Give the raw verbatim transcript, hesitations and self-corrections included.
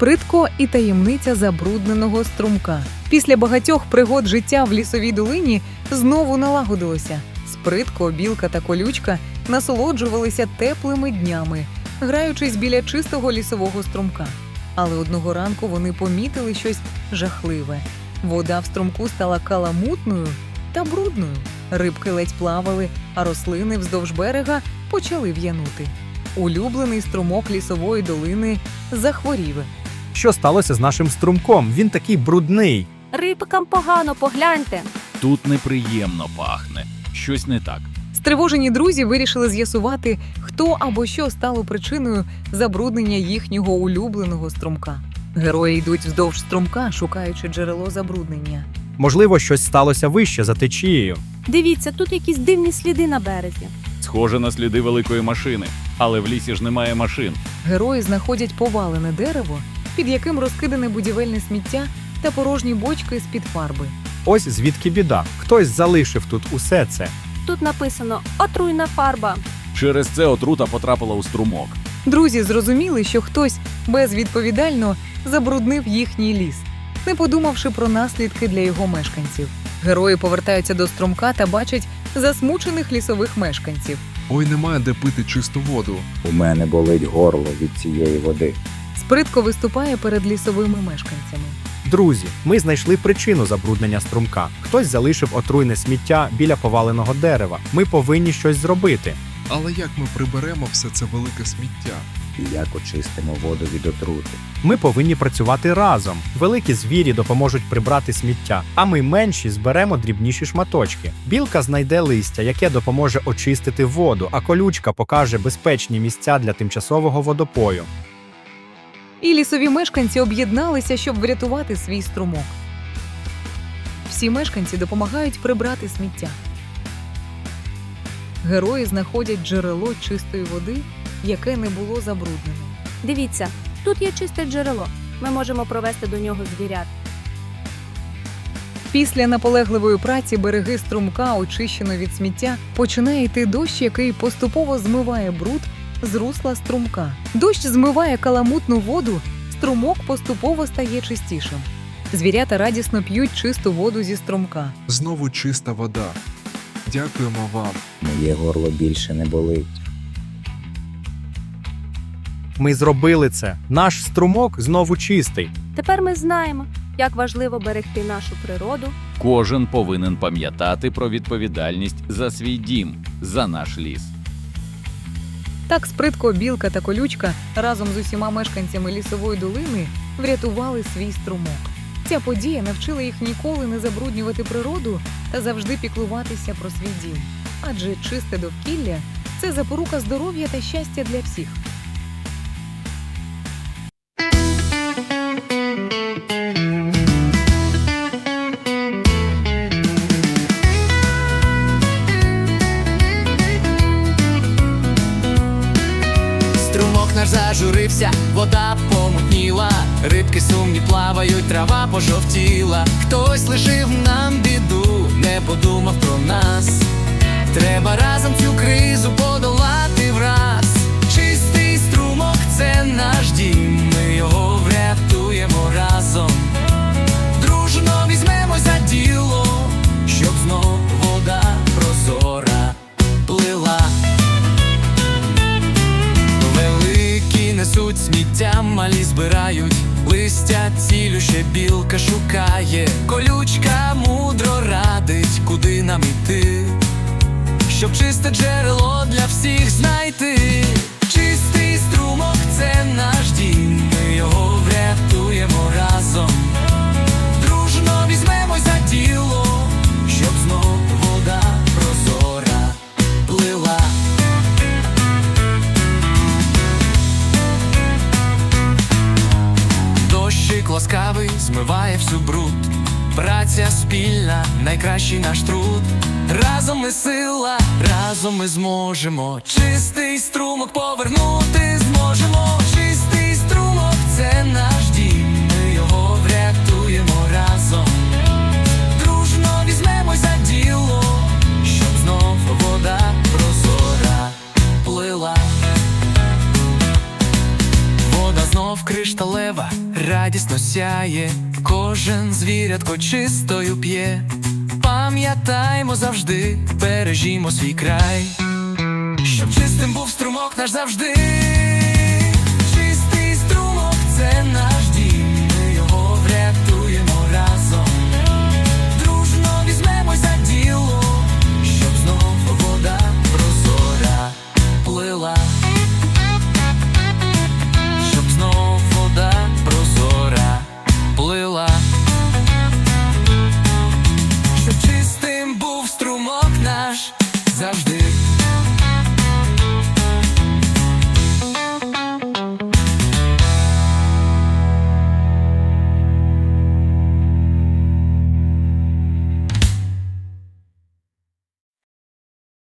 Спритко і таємниця забрудненого струмка. Після багатьох пригод життя в лісовій долині знову налагодилося. Спритко, білка та колючка насолоджувалися теплими днями, граючись біля чистого лісового струмка. Але одного ранку вони помітили щось жахливе. Вода в струмку стала каламутною та брудною. Рибки ледь плавали, а рослини вздовж берега почали в'янути. Улюблений струмок лісової долини захворів. Що сталося з нашим струмком? Він такий брудний. Рибкам погано, погляньте. Тут неприємно пахне. Щось не так. Стривожені друзі вирішили з'ясувати, хто або що стало причиною забруднення їхнього улюбленого струмка. Герої йдуть вздовж струмка, шукаючи джерело забруднення. Можливо, щось сталося вище за течією. Дивіться, тут якісь дивні сліди на березі. Схоже на сліди великої машини. Але в лісі ж немає машин. Герої знаходять повалене дерево, під яким розкидане будівельне сміття та порожні бочки з-під фарби. Ось звідки біда. Хтось залишив тут усе це. Тут написано «Отруйна фарба». Через це отрута потрапила у струмок. Друзі зрозуміли, що хтось безвідповідально забруднив їхній ліс, не подумавши про наслідки для його мешканців. Герої повертаються до струмка та бачать засмучених лісових мешканців. Ой, немає де пити чисту воду. У мене болить горло від цієї води. Спритко виступає перед лісовими мешканцями. Друзі, ми знайшли причину забруднення струмка. Хтось залишив отруйне сміття біля поваленого дерева. Ми повинні щось зробити. Але як ми приберемо все це велике сміття? І як очистимо воду від отрути? Ми повинні працювати разом. Великі звірі допоможуть прибрати сміття, а ми менші зберемо дрібніші шматочки. Білка знайде листя, яке допоможе очистити воду, а колючка покаже безпечні місця для тимчасового водопою. І лісові мешканці об'єдналися, щоб врятувати свій струмок. Всі мешканці допомагають прибрати сміття. Герої знаходять джерело чистої води, яке не було забруднено. Дивіться, тут є чисте джерело. Ми можемо провести до нього звірят. Після наполегливої праці береги струмка, очищено від сміття, починає йти дощ, який поступово змиває бруд з русла струмка. Дощ змиває каламутну воду, струмок поступово стає чистішим. Звірята радісно п'ють чисту воду зі струмка. Знову чиста вода. Дякуємо вам. Моє горло більше не болить. Ми зробили це. Наш струмок знову чистий. Тепер ми знаємо, як важливо берегти нашу природу. Кожен повинен пам'ятати про відповідальність за свій дім, за наш ліс. Так Спритко, білка та колючка разом з усіма мешканцями лісової долини врятували свій струмок. Ця подія навчила їх ніколи не забруднювати природу та завжди піклуватися про свій дім. Адже чисте довкілля – це запорука здоров'я та щастя для всіх. Струмок наш зажурився, вода помутніла, рибки сумні плавають, трава пожовтіла. Хтось лишив нам біду, не подумав про нас. Треба разом цю кризу подолати враз. Чистий струмок – це наш дім, ми його врятуємо разом. Дружно візьмемо за діло, щоб знов вода прозора плила. Великі несуть сміття, малі збирають листя, цілюще білка шукає. Колючка мудро радить, куди нам іти, щоб чисте джерело для всіх знайти. Чистий струмок – це наш дім, ми його врятуємо разом. Дружно візьмемо за діло, щоб знов вода прозора плила. Дощик ласкавий змиває всю бруд. Праця спільна – найкращий наш труд. Разом ми сила, разом ми зможемо чистий струмок повернути зможемо. Чистий струмок – це наш дім, ми його врятуємо разом. Дружно візьмемо за діло, щоб знов вода прозора плила. Вода знов кришталева, радісно сяє, кожен звірятко чистою п'є. Пам'ятаймо завжди, бережімо свій край, щоб чистим був струмок наш завжди. Чистий струмок – це наш дім, ми його врятуємо разом. Дружно візьмемось за діло, щоб знов вода прозора плила. Щоб знов вода прозора плила. Щоб чистим був струмок наш завжди.